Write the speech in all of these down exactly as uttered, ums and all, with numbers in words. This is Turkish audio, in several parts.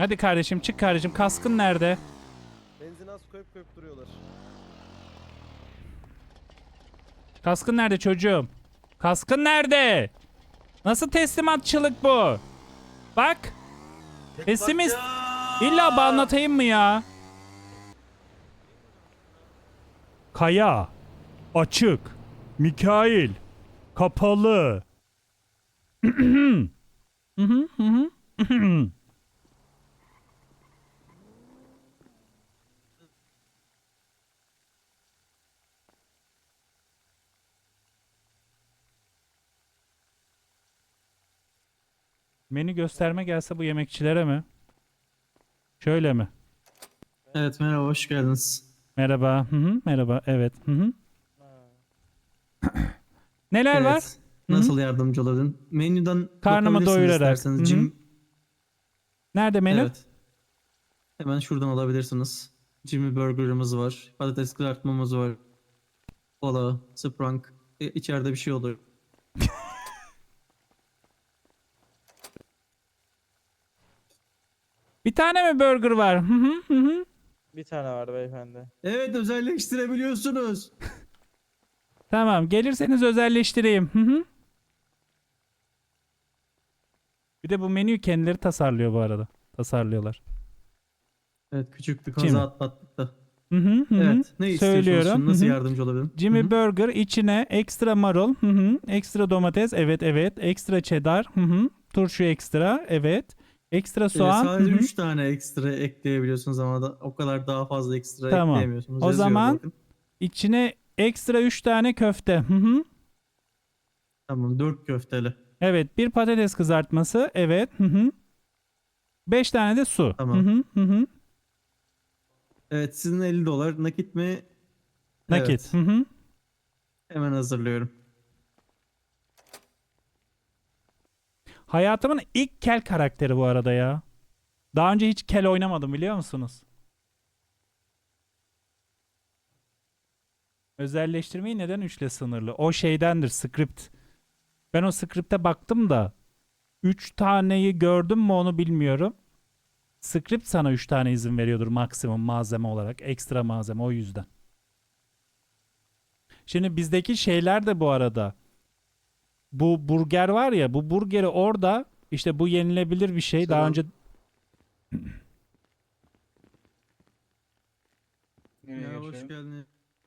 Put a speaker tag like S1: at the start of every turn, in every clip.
S1: Hadi kardeşim çık kardeşim. Kaskın nerede?
S2: Benzin az koyup koyup duruyorlar.
S1: Kaskın nerede çocuğum? Kaskın nerede? Nasıl teslimatçılık bu? Bak. Pessimist. İlla anlatayım mı ya? Kaya. Açık. Mikail. Kapalı. Hı hı hı hı. Menü gösterme gelse bu yemekçilere mi? Şöyle mi?
S3: Evet, merhaba, hoş geldiniz.
S1: Merhaba. Hı hı. Merhaba. Evet. Hı hı. Neler var?
S3: Evet,
S1: Hı hı.
S3: nasıl yardımcı olabilirim? Menüden
S1: Karnımı
S3: bakabilirsiniz
S1: doyurarak. Hı
S3: isterseniz.
S1: hı.
S3: Jim,
S1: Nerede menü?
S3: evet, hemen şuradan alabilirsiniz. Jimmy Burger'ımız var, patates kızartmamız var, kola, Sprunk, e, içeride bir şey olur.
S1: Bir tane mi burger var? Hı hı hı hı.
S2: Bir tane vardı beyefendi.
S3: Evet, özelleştirebiliyorsunuz.
S1: Tamam, gelirseniz özelleştireyim. Hı hı. Bir de bu menüyü kendileri tasarlıyor bu arada. Tasarlıyorlar.
S3: Evet, küçük bir kaza
S1: Jimmy.
S3: atlattık da.
S1: Hı hı hı hı.
S3: Evet, ne istiyorsunuz
S1: Söylüyorum.
S3: şimdi?
S1: Hı
S3: Nasıl
S1: hı.
S3: yardımcı olabilirim? Hı
S1: Jimmy
S3: hı.
S1: Burger içine ekstra marul, hı hı. Ekstra domates, evet evet. Ekstra cheddar, hı hı. Turşu ekstra, evet. Ekstra
S3: Ee,
S1: soğan, hı
S3: sadece
S1: hı.
S3: üç tane ekstra ekleyebiliyorsunuz ama da o kadar daha fazla ekstra
S1: Tamam.
S3: ekleyemiyorsunuz.
S1: O
S3: Yazıyor
S1: zaman
S3: bakın.
S1: içine ekstra üç tane köfte, hı hı.
S3: Tamam, dört köfteli.
S1: Evet, bir patates kızartması, evet, hı hı. beş tane de su, hı
S3: Tamam.
S1: hı hı hı.
S3: Evet, sizin elli dolar nakit mi?
S1: Nakit, hı
S3: Evet.
S1: hı.
S3: Hemen hazırlıyorum.
S1: Hayatımın ilk kel karakteri bu arada ya. Daha önce hiç kel oynamadım biliyor musunuz? Özelleştirmeyi neden üçle sınırlı? O şeydendir, script. Ben o script'e baktım da üç taneyi gördüm mü onu bilmiyorum. Script sana üç tane izin veriyordur maksimum malzeme olarak. Ekstra malzeme o yüzden. Şimdi bizdeki şeyler de bu arada. Bu burger var ya, bu burgeri orada işte bu yenilebilir bir şey. Daha
S4: Selam.
S1: önce
S4: Nereye
S3: Merhaba, hoş
S4: geçelim?
S3: geldin.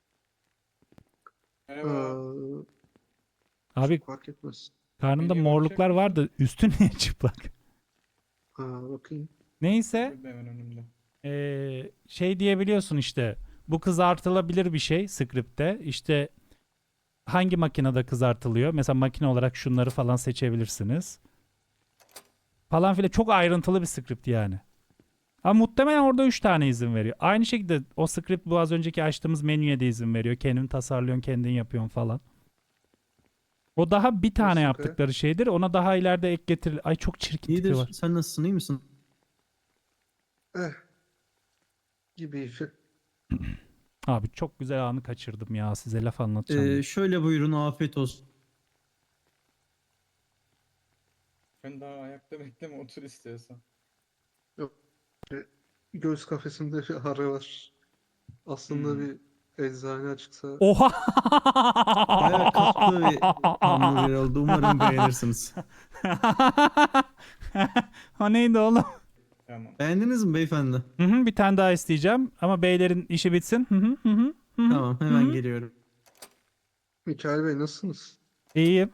S4: Merhaba.
S3: Ee,
S1: abi
S4: Fark etmez.
S1: karnında
S4: Menüye bakacak
S1: morluklar
S4: mısın?
S1: vardı. Üstün niye çıplak?
S4: Aa, bakayım.
S1: Neyse.
S4: Burada hemen önümde.
S1: Ee, şey diyebiliyorsun işte. Bu kızartılabilir bir şey script'te. İşte hangi makinede kızartılıyor? Mesela makine olarak şunları falan seçebilirsiniz. Falan filan çok ayrıntılı bir script yani. Ama muhtemelen orada üç tane izin veriyor. Aynı şekilde o script bu az önceki açtığımız menüye de izin veriyor. Kendin tasarlıyorsun, kendin yapıyorsun falan. O daha bir tane
S4: Nasılsın Kaya?
S1: yaptıkları şeydir. Ona daha ileride ek getirilir. Ay çok çirkin tipi
S3: İyidir.
S1: var.
S3: Sen nasılsın? İyi misin?
S4: Eh, gibi.
S1: Abi çok güzel anı kaçırdım ya. Size laf anlatacağım
S3: Ee,
S1: diye.
S3: şöyle buyurun. Afiyet olsun.
S4: Sen daha ayakta bekleme, otur istiyorsan.
S5: Yok, e, göğüs kafesimde bir ağrı var. Aslında
S4: Hmm.
S5: bir eczane açıksa
S1: Oha!
S3: Bayağı katlı bir hamburger oldu. Umarım beğenirsiniz.
S1: O neydi oğlum?
S4: Tamam.
S3: Beğendiniz mi beyefendi?
S1: Hı hı, bir tane daha isteyeceğim ama beylerin işi bitsin. Hı hı hı hı hı hı
S3: Tamam,
S1: hı
S3: hemen
S1: hı.
S3: geliyorum.
S5: Mikail Bey nasılsınız?
S1: İyiyim.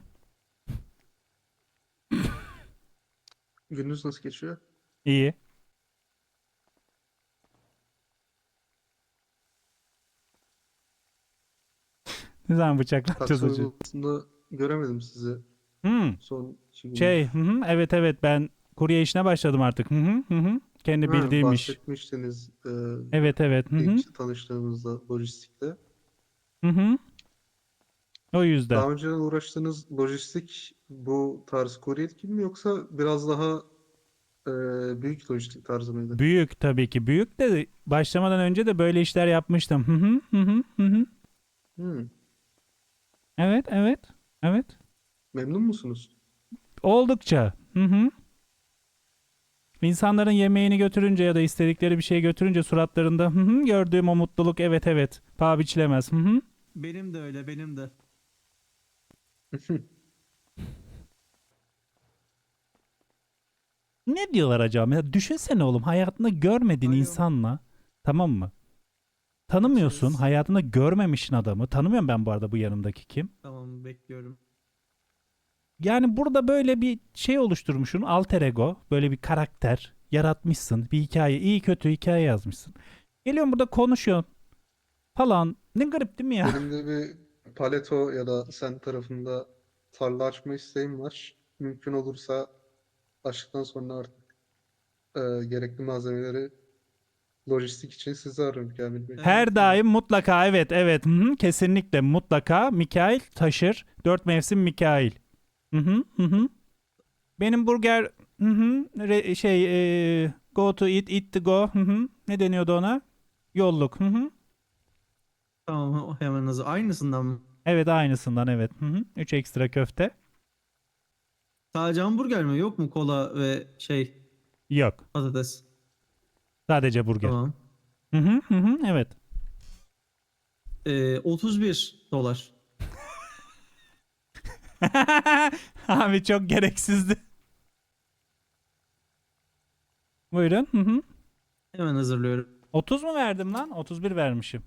S5: Gününüz nasıl geçiyor?
S1: İyi. Ne zaman bıçaklatacağız
S5: Taksi
S1: acı?
S5: uygulamasında göremedim sizi
S1: Hmm.
S5: son iki
S1: Şey,
S5: gündür.
S1: hı hı, evet evet ben kurye işine başladım artık. Hı hı hı hı. Kendi
S5: Ha,
S1: bildiğim iş.
S5: bahsetmiştiniz e,
S1: Evet evet. Hı hı.
S5: ilk tanıştığımızda lojistikte.
S1: Hı hı. O yüzden.
S5: Daha önce uğraştığınız lojistik bu tarz kuryelik gibi mi yoksa biraz daha e, büyük lojistik tarzı mıydı?
S1: Büyük tabii ki. Büyük de başlamadan önce de böyle işler yapmıştım. Hı hı hı hı hı hı.
S5: Hmm,
S1: Evet evet. Evet.
S5: memnun musunuz?
S1: Oldukça. Hı hı. İnsanların yemeğini götürünce ya da istedikleri bir şey götürünce suratlarında hı hı, gördüğüm o mutluluk, evet evet paha biçilemez. Hı hı.
S3: Benim de öyle, benim de.
S1: Ne diyorlar acaba? Ya düşünsene oğlum, hayatında görmediğin
S3: Alo.
S1: insanla, tamam mı? Tanımıyorsun,
S3: Açız.
S1: hayatında görmemişsin adamı. Tanımıyorum ben bu arada bu yanımdaki kim.
S3: Tamam, bekliyorum.
S1: Yani burada böyle bir şey oluşturmuşsun, alter ego, böyle bir karakter yaratmışsın, bir hikaye, iyi kötü hikaye yazmışsın. Geliyorsun burada konuşuyorsun falan. Ne garip değil mi ya?
S5: Benim de bir Paleto ya da sen tarafında tarla açma isteğim var. Mümkün olursa açtıktan sonra artık e, gerekli malzemeleri lojistik için sizi ararım Kamil Bey.
S3: Evet,
S1: Her
S3: evet.
S1: daim mutlaka, evet evet, hı hı, kesinlikle mutlaka Mikail taşır. Dört mevsim Mikail. Hı hı hı hı. Benim burger, hı hı, re- şey e, go to eat, eat to go. Hı hı. Ne deniyordu ona? Yolluk. Hı hı.
S3: Tamam, hemen hazır. Aynısından mı?
S1: Evet aynısından, evet. Hı hı. Üç ekstra köfte.
S3: Sadece hamburger mi? Yok mu kola ve şey
S1: Yok.
S3: patates?
S1: Sadece burger.
S3: Tamam.
S1: Hı hı hı hı, evet.
S3: Ee, otuz bir dolar.
S1: Abi çok gereksizdi. Buyurun. Hı hı.
S3: Hemen hazırlıyorum.
S1: otuz mu verdim lan? otuz bir vermişim.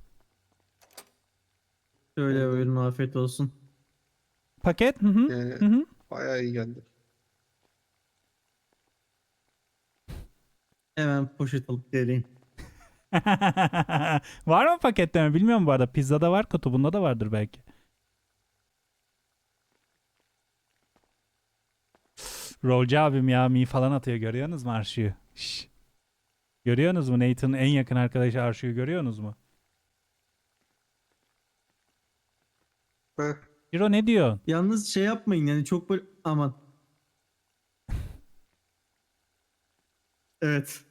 S3: Şöyle
S5: Vallahi
S3: buyurun, afiyet olsun.
S1: Paket. Hı hı.
S5: yani
S1: Hı hı.
S5: bayağı iyi geldi.
S3: Hemen poşet alıp geleyim.
S1: Var mı paketleme? Bilmiyorum bu arada. Pizzada var, kutu. Bunda da vardır belki. Rolcu abim ya mi falan atıyor. Görüyorsunuz mu Arşu'yu? Şşş. Görüyorsunuz mu? Nathan'ın en yakın arkadaşı Arşu'yu görüyorsunuz mu?
S5: Heh,
S1: Ciro ne diyor?
S3: Yalnız şey yapmayın yani, çok böyle aman. Evet.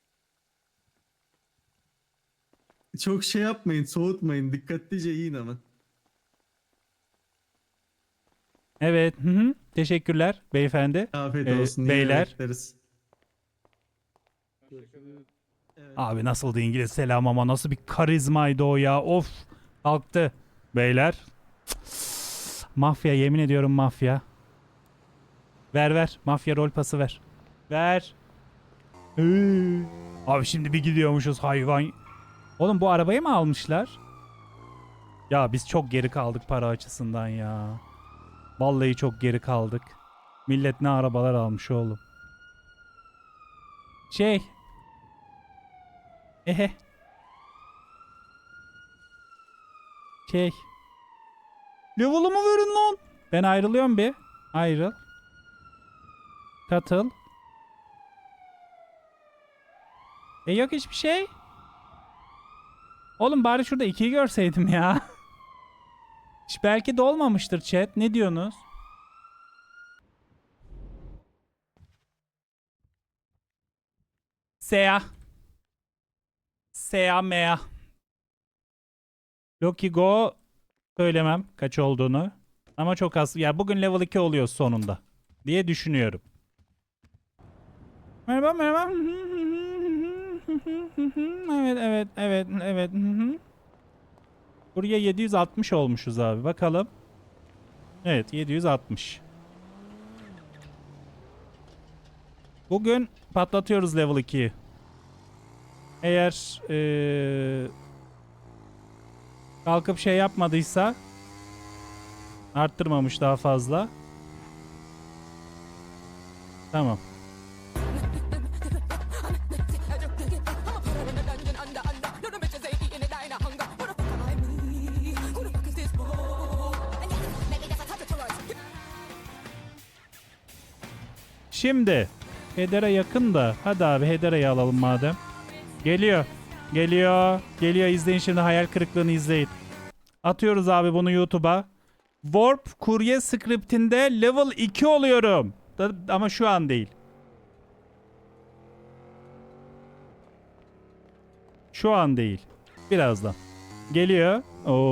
S3: Çok şey yapmayın, soğutmayın. Dikkatlice yiyin ama.
S1: Evet. Hı hı. Teşekkürler beyefendi.
S3: Afiyet
S1: Ee,
S3: olsun. Yine
S1: beyler.
S3: bekleriz.
S4: Hoşçakalın.
S3: Evet.
S1: Abi nasıldı İngiliz selam ama nasıl bir karizmaydı o ya. Of. Kalktı. Beyler. Mafya, yemin ediyorum mafya. Ver ver. Mafya rol pası ver. Ver. Ee. Abi şimdi bir gidiyormuşuz hayvan. Oğlum bu arabayı mı almışlar? Ya biz çok geri kaldık para açısından ya. Vallahi çok geri kaldık. Millet ne arabalar almış oğlum. Şey. Ehe. Şey. Level'ımı verin lan. Ben ayrılıyorum bir. Ayrıl. Katıl. E yok hiçbir şey. Oğlum bari şurada ikiyi görseydim ya. Hiç belki de olmamıştır chat. Ne diyorsunuz? Sea. Sea mea. Loki Go söylemem kaç olduğunu. Ama çok az. Ya bugün level iki oluyor sonunda. Diye düşünüyorum. Merhaba merhaba. Evet evet evet evet. Buraya yedi yüz altmış olmuşuz abi. Bakalım. Evet yedi yüz altmış. Bugün patlatıyoruz level ikiyi. Eğer ee, kalkıp şey yapmadıysa, arttırmamış daha fazla. Tamam. Şimdi Hedera yakın da hadi abi Hedera'yı alalım madem. Geliyor. Geliyor. Geliyor, izleyin şimdi hayal kırıklığını izleyin. Atıyoruz abi bunu YouTube'a. Warp kurye scriptinde level iki oluyorum. Da- ama şu an değil. Şu an değil. Birazdan. Geliyor.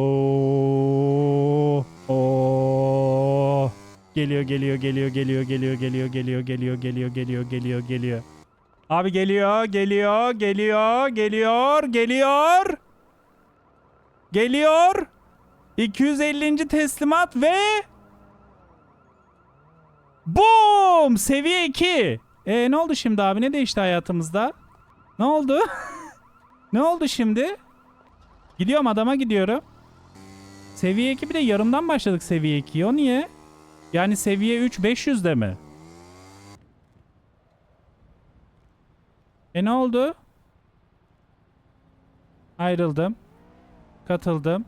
S1: Oo. Oo. Geliyor, geliyor, geliyor, geliyor, geliyor, geliyor, geliyor, geliyor, geliyor, geliyor, geliyor, geliyor. Abi geliyor, geliyor, geliyor, geliyor, geliyor. Geliyor. iki yüz ellinci teslimat ve boom! Seviye iki. E ne oldu şimdi abi? Ne değişti hayatımızda? Ne oldu? Ne oldu şimdi? Gidiyorum, adama gidiyorum. Seviye iki, bir de yarımdan başladık seviye ikiye. O niye? Yani seviye üç beş yüzde mi? E ne oldu? Ayrıldım. Katıldım.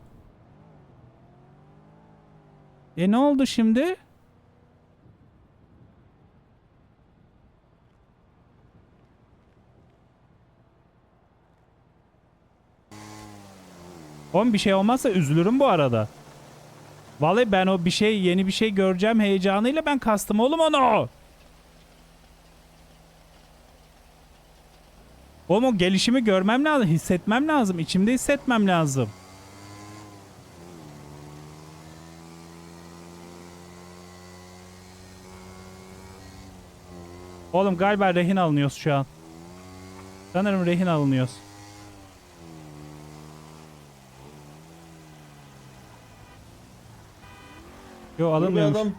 S1: E ne oldu şimdi? Oğlum bir şey olmazsa üzülürüm bu arada. Vallahi ben o bir şey, yeni bir şey göreceğim heyecanıyla ben kastım oğlum onu. Oğlum o gelişimi görmem lazım, hissetmem lazım, içimde hissetmem lazım. Oğlum galiba rehin alınıyoruz şu an. Sanırım rehin alınıyoruz. Yo
S2: Dur bir
S1: alınmıyormuş.
S2: adam.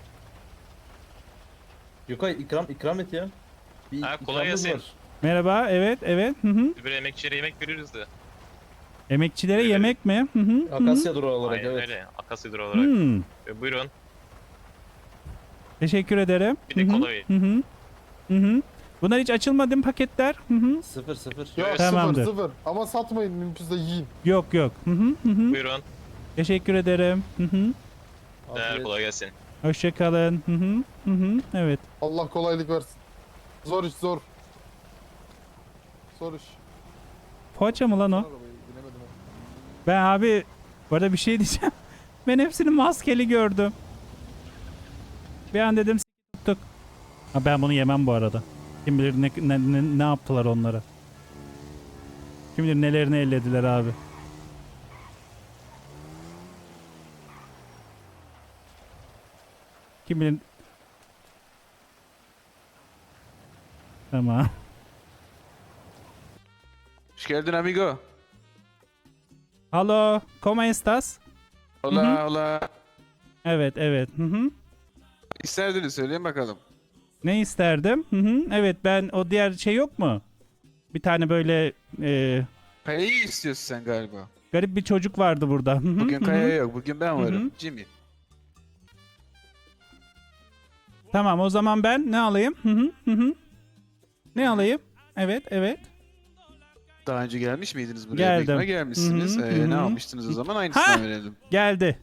S2: Yukay ikram ikram et ya. Bir
S6: Ha, kolay
S2: ikramımız
S6: gelsin.
S2: var.
S1: Merhaba, evet, evet. Hı hı.
S6: Biz böyle emekçilere yemek veriyoruz da.
S1: Emekçilere
S6: Evet.
S1: yemek mi? Hı hı. hı hı.
S2: Akasya durağı olarak
S6: Aynen
S2: evet.
S6: öyle. Akasya durağı olarak.
S1: Hmm.
S6: E, buyurun.
S1: Teşekkür ederim.
S6: Bir de
S1: Hı hı.
S6: kola verin.
S1: Hı hı. Hı hı. Bunlar hiç açılmadı mı paketler? Hı hı.
S2: Sıfır sıfır.
S7: Yok
S6: Evet.
S1: Tamamdır.
S7: sıfır sıfır. Ama satmayın mümkünse yiyin.
S1: Yok yok. Hı hı. Hı hı.
S6: Buyurun.
S1: Teşekkür ederim. Hı hı.
S6: Değer
S2: Afiyet.
S6: kolay gelsin.
S1: Hoşça kalın. Hı hı. Hı hı. Evet.
S7: Allah kolaylık versin. Zor iş zor. Zor iş.
S1: Poğaça mı lan o?
S7: Arabayı binemedim ama.
S1: Ben abi bu arada bir şey diyeceğim. Ben hepsini maskeli gördüm. Bir an dedim s- tuttuk. Ha, ben bunu yemem bu arada. Kim bilir ne, ne, ne, ne yaptılar onlara. Kim bilir nelerini ellediler abi. Kim bilir... Tamam.
S8: Hoş geldin amigo.
S1: Hello, ¿cómo estás?
S8: Hola
S1: Hı hı.
S8: hola.
S1: Evet, evet. Hı hı.
S8: İsterdiniz söyleyin bakalım.
S1: Ne isterdim? Hı hı. Evet, ben o diğer şey yok mu? Bir tane böyle e,
S8: Kaya'yı istiyorsun sen galiba.
S1: garip bir çocuk vardı burada. Hı hı,
S8: Bugün
S1: hı hı.
S8: Kaya yok. Bugün ben
S1: Hı
S8: varım.
S1: hı.
S8: Jimmy.
S1: Tamam, o zaman ben ne alayım? Hı hı, hı hı. Ne alayım? Evet, evet.
S8: Daha önce gelmiş miydiniz buraya?
S1: Geldim.
S8: Bekme gelmişsiniz.
S1: Hı hı,
S8: Ee,
S1: hı
S8: ne
S1: hı.
S8: almıştınız o zaman? Aynısından
S1: Ha!
S8: verelim.
S1: Geldi.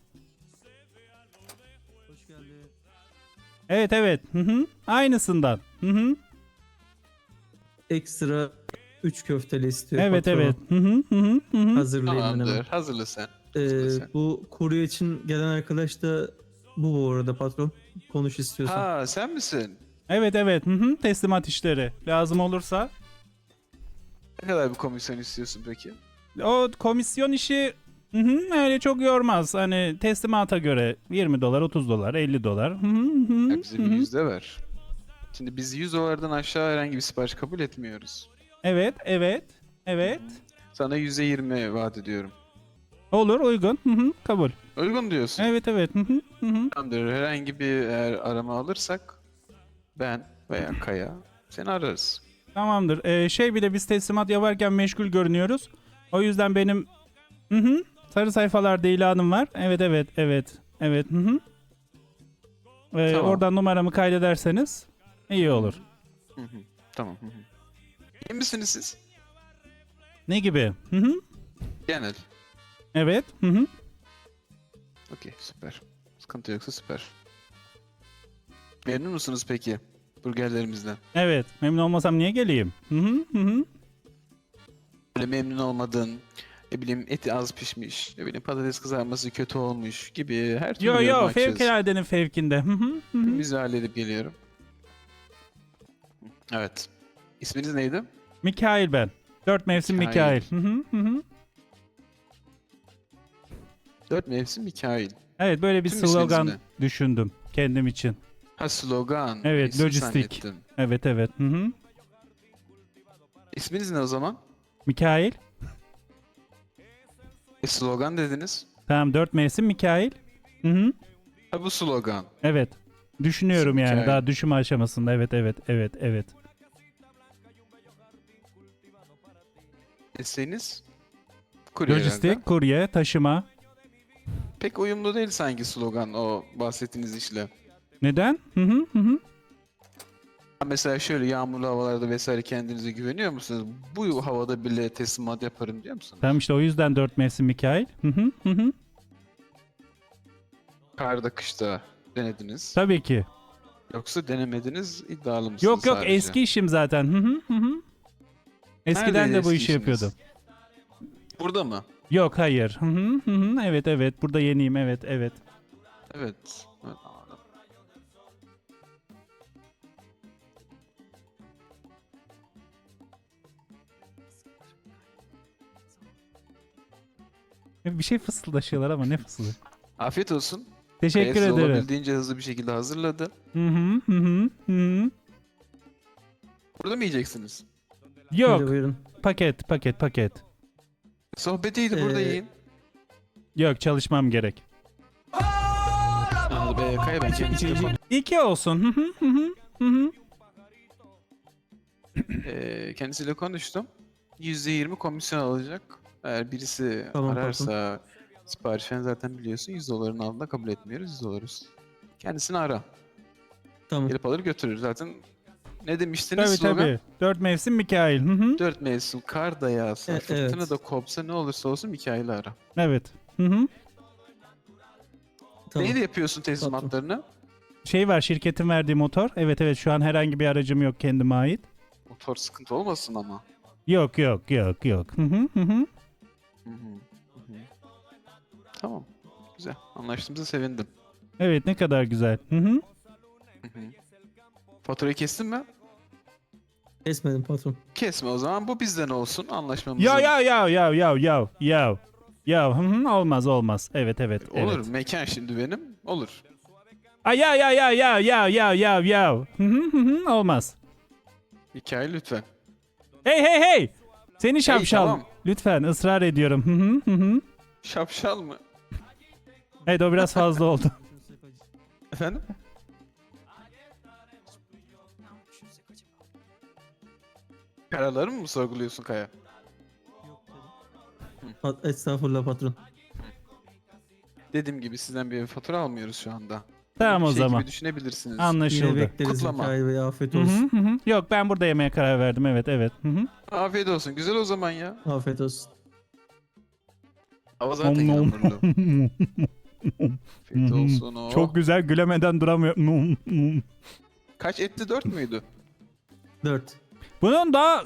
S3: Hoş geldin.
S1: Evet, evet. Hı hı. Aynısından. Hı hı.
S3: Ekstra üç köfteli istiyor
S1: Evet,
S3: patron.
S1: evet. Hı hı, hı hı, hı hı.
S3: Hazırlayayım ben hemen.
S8: Tamamdır. Hazırla sen.
S3: Ee,
S8: Hazırla sen.
S3: bu kurye için gelen arkadaş da bu bu arada patron. Konuş istiyorsan.
S8: Ha sen misin?
S1: Evet, evet. Hı hı. Teslimat işleri. Lazım olursa.
S8: Ne kadar bir komisyon istiyorsun peki?
S1: O komisyon işi hı hı, öyle çok yormaz. Hani teslimata göre yirmi dolar, otuz dolar, elli dolar. Hı hı, hı
S8: Ya
S1: hı,
S8: bize
S1: hı
S8: bir
S1: hı.
S8: yüzde ver. Şimdi biz yüz dolardan aşağı herhangi bir sipariş kabul etmiyoruz.
S1: Evet, evet, evet.
S8: Sana yüzde yirmi vaat ediyorum.
S1: Olur, uygun. Hı hı, kabul.
S8: Uygun diyorsun.
S1: Evet, evet. Hı hı, hı hı.
S8: Tamamdır. Herhangi bir eğer arama alırsak ben veya Kaya seni ararız.
S1: Tamamdır. Ee, şey bir de biz teslimat yaparken meşgul görünüyoruz. O yüzden benim hı hı, sarı sayfalarda ilanım var. Evet, evet, evet. Evet. Hı hı. Ee,
S8: Tamam.
S1: Oradan numaramı kaydederseniz iyi olur.
S8: Hı hı. Tamam. Hı hı. İyi misiniz siz?
S1: Ne gibi? Hı hı.
S8: Genel.
S1: Evet. Hı hı.
S8: Okey süper. Sıkıntı yoksa süper. Memnun musunuz peki burgerlerimizden?
S1: Evet. Memnun olmasam niye geleyim? Hı hı, hı hı.
S8: Böyle memnun olmadığın, ne bileyim eti az pişmiş, ne bileyim patates kızarması kötü olmuş gibi her türlü
S1: Yo
S8: yorum
S1: yo
S8: açığız.
S1: fevkaladenin fevkinde. Hı hı, hı hı.
S8: Biz de halledip geliyorum. Evet. İsminiz neydi?
S1: Mikail ben. Dört mevsim
S8: Mikail.
S1: Mikail. Hı hı, hı hı.
S8: Dört mevsim Mikail.
S1: Evet böyle bir
S8: Tüm isminiz
S1: slogan
S8: mi?
S1: düşündüm kendim için.
S8: Ha slogan.
S1: Evet,
S8: İsim
S1: lojistik.
S8: zannettim.
S1: Evet evet. Hı hı.
S8: İsminiz ne o zaman?
S1: Mikail.
S8: E, slogan dediniz.
S1: Tamam, dört mevsim Mikail. Hı hı.
S8: Ha, bu slogan.
S1: Evet. Düşünüyorum yani
S8: Mikail.
S1: daha düşünme aşamasında. Evet evet evet evet.
S8: Mesleğiniz? Kurye herhalde.
S1: Lojistik, kurye, taşıma.
S8: Pek uyumlu değil sanki slogan o bahsettiğiniz işle.
S1: Neden? Hı hı hı hı.
S8: Mesela şöyle yağmurlu havalarda vesaire kendinize güveniyor musunuz? Bu havada bile teslimat yaparım diyor musunuz?
S1: Tamam işte o yüzden dört mevsim Mikail. Hı hı hı hı.
S8: Karda kışta denediniz.
S1: Tabii ki.
S8: Yoksa denemediniz iddialı mısınız
S1: Yok yok
S8: sadece?
S1: eski işim zaten. Hı hı hı hı. Eskiden
S8: Neredeydi
S1: de bu
S8: eski
S1: işi
S8: işiniz?
S1: yapıyordum.
S8: Burada mı?
S1: Yok hayır. Hı hı hı hı. Evet evet burada yeniyim evet evet.
S8: Evet. Evet, anladım.
S1: Bir şey fısıldaşıyorlar ama ne fısıldı?
S8: Afiyet olsun.
S1: Teşekkür
S8: Kaya size
S1: ederim.
S8: olabildiğince hızlı bir şekilde hazırladı.
S1: Hı hı hı hı hı.
S8: Burada mı yiyeceksiniz?
S1: Yok
S3: Buyurun, buyurun.
S1: paket paket paket.
S8: Sohbetiydi burada
S3: Ee,
S8: yiyin.
S1: Yok çalışmam gerek.
S8: Anladım. Ee, Kaya ben kendi telefon...
S1: İki olsun. Hı hı hı hı hı hı.
S8: Ee, kendisiyle konuştum. yüzde yirmi komisyon alacak. Eğer birisi
S3: Tamam,
S8: ararsa sipariş falan zaten biliyorsun yüz doların altında kabul etmiyoruz. yüz dolarız. Kendisini ara.
S3: Tamam.
S8: Gelip alır götürür. Zaten ne demiştiniz
S1: Tabii
S8: slogan?
S1: tabii. Dört mevsim Mikail. Hı hı.
S8: Dört mevsim kar da yağsa,
S3: E,
S8: fırtına
S3: evet.
S8: da kopsa ne olursa olsun Mikail'i ara.
S1: Evet. Hı hı.
S3: Tamam.
S8: Neyle yapıyorsun teslimatlarını?
S1: Şey var şirketin verdiği motor. Evet evet şu an herhangi bir aracım yok kendime ait.
S8: Motor sıkıntı olmasın ama.
S1: Yok yok yok yok. Hı hı hı hı.
S8: Hı hı, hı hı. Tamam. Güzel. Anlaştığımıza sevindim.
S1: Evet ne kadar güzel. Hı hı.
S8: Hı hı. Faturayı kestin mi?
S3: Kesmedim patron.
S8: Kesme o zaman. Bu bizden olsun. Anlaşmamızın.
S1: Ya ya ya ya ya ya ya. Ya hı hı olmaz olmaz. Evet evet
S8: Olur.
S1: evet.
S8: Mekan şimdi benim. Olur.
S1: Ay ya ya ya ya ya ya ya ya. Hı hı hı hı olmaz.
S8: Hikaye lütfen.
S1: Hey hey hey. Seni şapşal.
S8: tamam.
S1: Lütfen ısrar ediyorum. Hı hı hı hı.
S8: Şapşal mı?
S1: Evet o biraz fazla oldu.
S8: Efendim? Kararları mı sorguluyorsun Kaya?
S3: Pat- Estağfurullah patron.
S8: Dediğim gibi sizden bir fatura almıyoruz şu anda.
S1: Tamam
S8: Bir
S1: o
S8: şey
S1: zaman.
S8: gibi düşünebilirsiniz.
S3: Yine
S1: Anlaşıldı.
S3: bekleriz
S8: Kutlama.
S3: Mikail Bey. Afiyet
S1: Hı
S3: olsun.
S1: hı hı hı. Yok ben burada yemeye karar verdim. Evet evet. Hı hı.
S8: Afiyet olsun. Güzel o zaman ya.
S3: Afiyet olsun.
S8: Hava zaten
S1: Nom nom.
S8: yağmurlu. Afiyet olsun o.
S1: Çok güzel gülemeden duramıyorum. Nom nom.
S8: Kaç etti? Dört müydü?
S3: Dört.
S1: Bunun daha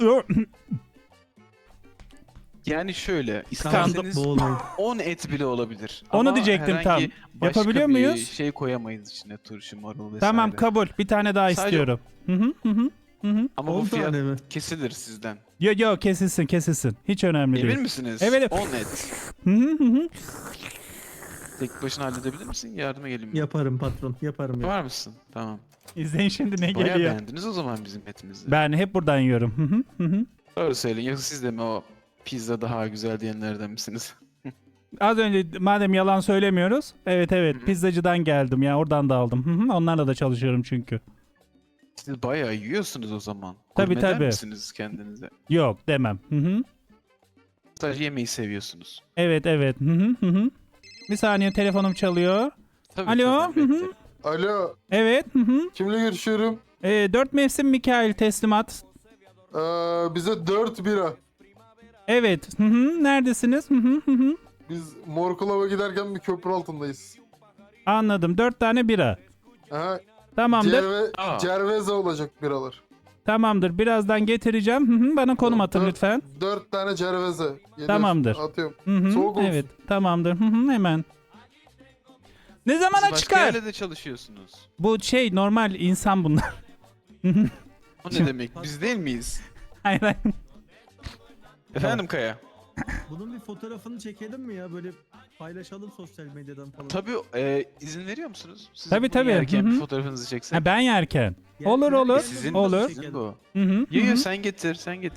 S8: Yani şöyle.
S3: Tamam,
S8: isterseniz
S3: boğulmayın.
S8: on et bile olabilir.
S1: Onu
S8: Ama
S1: diyecektim
S8: herhangi
S1: tam.
S8: başka
S1: Yapabiliyor
S8: bir
S1: muyuz?
S8: şey koyamayız içine. Turşu, marul vesaire.
S1: tamam kabul. Bir tane daha
S8: Sadece-
S1: istiyorum. Hı hı hı hı. Hı hı.
S8: Ama bu
S3: on
S8: fiyat
S3: tane mi?
S8: kesilir sizden.
S1: Yo yo kesilsin kesilsin. Hiç önemli
S8: Emin
S1: değil.
S8: misiniz?
S1: Evet.
S8: on et.
S1: Hı hı hı hı.
S8: Tek başına halledebilir misin? Yardıma geleyim mi?
S3: Yaparım patron. Yaparım. ya.
S8: Var mısın? Tamam.
S1: İzleyin şimdi ne
S8: Bayağı
S1: geliyor.
S8: beğendiniz o zaman bizim etimizi.
S1: Ben hep buradan yiyorum. Hı hı hı hı.
S8: Doğru söyleyin. Yoksa siz de mi o pizza daha güzel diyenlerden misiniz?
S1: Az önce madem yalan söylemiyoruz. Evet evet
S8: Hı hı.
S1: pizzacıdan geldim ya oradan da aldım. Hı hı. Onlarla da çalışıyorum çünkü.
S8: Siz bayağı yiyorsunuz o zaman.
S1: Tabii,
S8: Gurmeder
S1: tabii.
S8: misiniz kendinize?
S1: Yok demem. Hı hı.
S8: Sadece yemeği seviyorsunuz.
S1: Evet evet. Hı hı hı hı. Bir saniye telefonum çalıyor.
S8: Tabii
S1: Alo,
S8: tabii.
S1: hı hı.
S8: beklerim.
S7: Alo,
S1: Evet. Hı hı.
S7: kimle görüşüyorum?
S1: E, dört mevsim Mikail teslimat.
S7: Ee, bize dört bira.
S1: Evet. Hı hı. Neredesiniz? Hı hı hı hı.
S7: Biz Morkulava giderken bir köprü altındayız.
S1: Anladım. Dört tane bira.
S7: Aha,
S1: Tamamdır.
S7: Cerve,
S8: Aa.
S7: Cerveza olacak biralar.
S1: Tamamdır. Birazdan getireceğim. Hı hı. Bana konum atın
S7: Dört-
S1: lütfen.
S7: Dört tane Cerveza. Geliyor.
S1: Tamamdır.
S7: Atıyorum.
S1: Hı hı.
S7: Soğuk olsun.
S1: Evet. Tamamdır. Hı hı. Hemen. Ne
S8: Siz
S1: zamana
S8: başka
S1: çıkar?
S8: yerde de çalışıyorsunuz.
S1: Bu şey normal insan bunlar.
S8: O ne demek? Biz değil miyiz?
S1: Hayır hayır.
S8: Efendim Kaya?
S3: Bunun bir fotoğrafını çekelim mi ya? Böyle paylaşalım sosyal medyadan falan.
S8: Tabii e, izin veriyor musunuz? Siz
S1: Tabii,
S8: bunu
S1: tabii.
S8: yerken
S1: Hı hı.
S8: bir fotoğrafınızı çeksek.
S1: Ha, ben yerken.
S3: Yer-
S1: Olur,
S3: yer-
S1: olur.
S8: E, sizin,
S1: Olur.
S8: sizin bu.
S1: Hı hı.
S8: Yo
S1: hı
S8: yo
S1: hı.
S8: sen getir sen getir.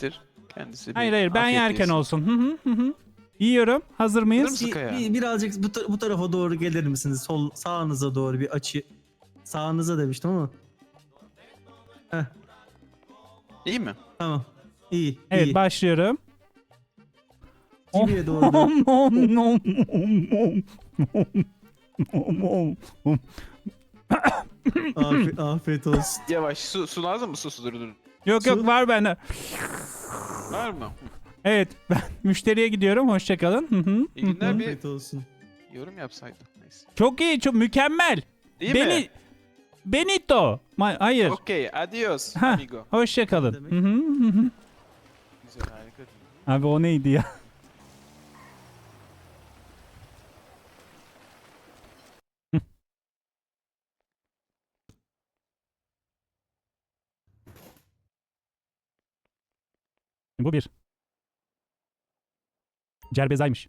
S8: Kendisi bir
S1: Hayır hayır ben
S8: afiyet
S1: yerken
S8: yesin.
S1: olsun. Hı hı hı hı. Yiyorum. Hazır mıyız?
S8: mısın?
S3: Bir,
S8: Kaya.
S3: bir- birazcık bu, ta- bu tarafa doğru gelir misiniz? Sol sağınıza doğru bir açı. Sağınıza demiştim ama. Heh,
S8: İyi mi?
S3: tamam. İyi.
S1: Evet
S3: iyi.
S1: başlıyorum.
S3: Jimmy'ye doğru. dön.
S1: Nom, nom, nom, nom, nom, nom, nom.
S3: Afi- afiyet olsun.
S8: Yavaş. Su, su lazım mı? Su su dur dur.
S1: Yok
S3: Su-
S1: yok var bende.
S8: Var mı?
S1: Evet ben müşteriye gidiyorum. Hoşçakalın. Hı hı.
S8: İyi günler. Bir
S3: Afiyet olsun.
S8: yorum yapsaydın. Neyse.
S1: Çok iyi, çok mükemmel.
S8: Değil
S1: Beni
S8: mi?
S1: Benito. Ma- hayır.
S8: Okey. Adios
S1: Ha.
S8: amigo.
S1: Hoşçakalın.
S3: Demek.
S1: Hı hı hı hı.
S8: Güzel harika.
S1: Abi o neydi ya? Bu bir. Cerbezaymış.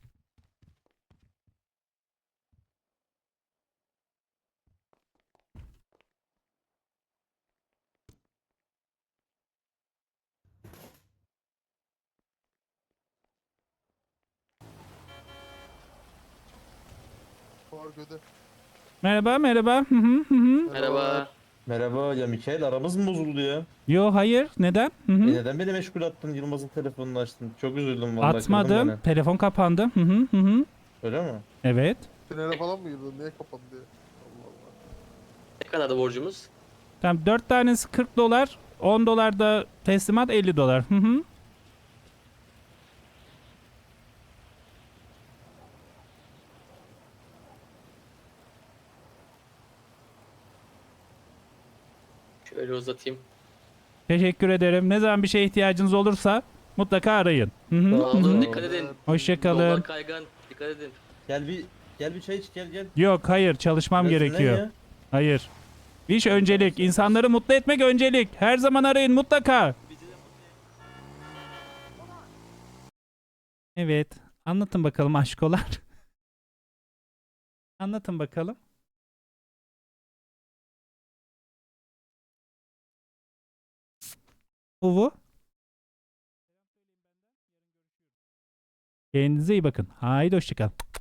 S7: Fark öde.
S1: Merhaba merhaba. Hı hı hı hı.
S7: Merhaba.
S2: Merhaba ya Mikael, aramız mı bozuldu ya?
S1: Yo hayır. Neden? Hı
S2: E
S1: hı.
S2: neden beni meşgul attın? Yılmaz'ın telefonunu açtın. Çok üzüldüm vallahi. kırdın
S1: Atmadım.
S2: beni.
S1: Telefon kapandı. Hı hı hı hı.
S2: Öyle mi?
S1: Evet.
S7: Tünele falan mı girdin? Niye kapandı diye. Allah Allah.
S9: Ne kadardı borcumuz?
S1: Tamam dört tanesi kırk dolar. on dolar da teslimat elli dolar. Hı hı.
S9: Şöyle uzatayım.
S1: Teşekkür ederim. Ne zaman bir şeye ihtiyacınız olursa mutlaka arayın. Hı hı.
S2: Sağ
S1: hı
S9: Aldım,
S1: hı.
S2: olun.
S9: dikkat edin.
S1: Hoşçakalın.
S9: Yollar kaygan. Dikkat edin.
S2: Gel bir gel bir çay iç, gel gel.
S1: Yok hayır çalışmam
S2: Biraz dinlen
S1: gerekiyor.
S2: ya.
S1: Hayır. İş öncelik. İnsanları mutlu etmek öncelik. Her zaman arayın mutlaka. Evet. Anlatın bakalım aşkolar. Anlatın bakalım. Uvu. Kendinize iyi bakın. Haydi hoşçakalın.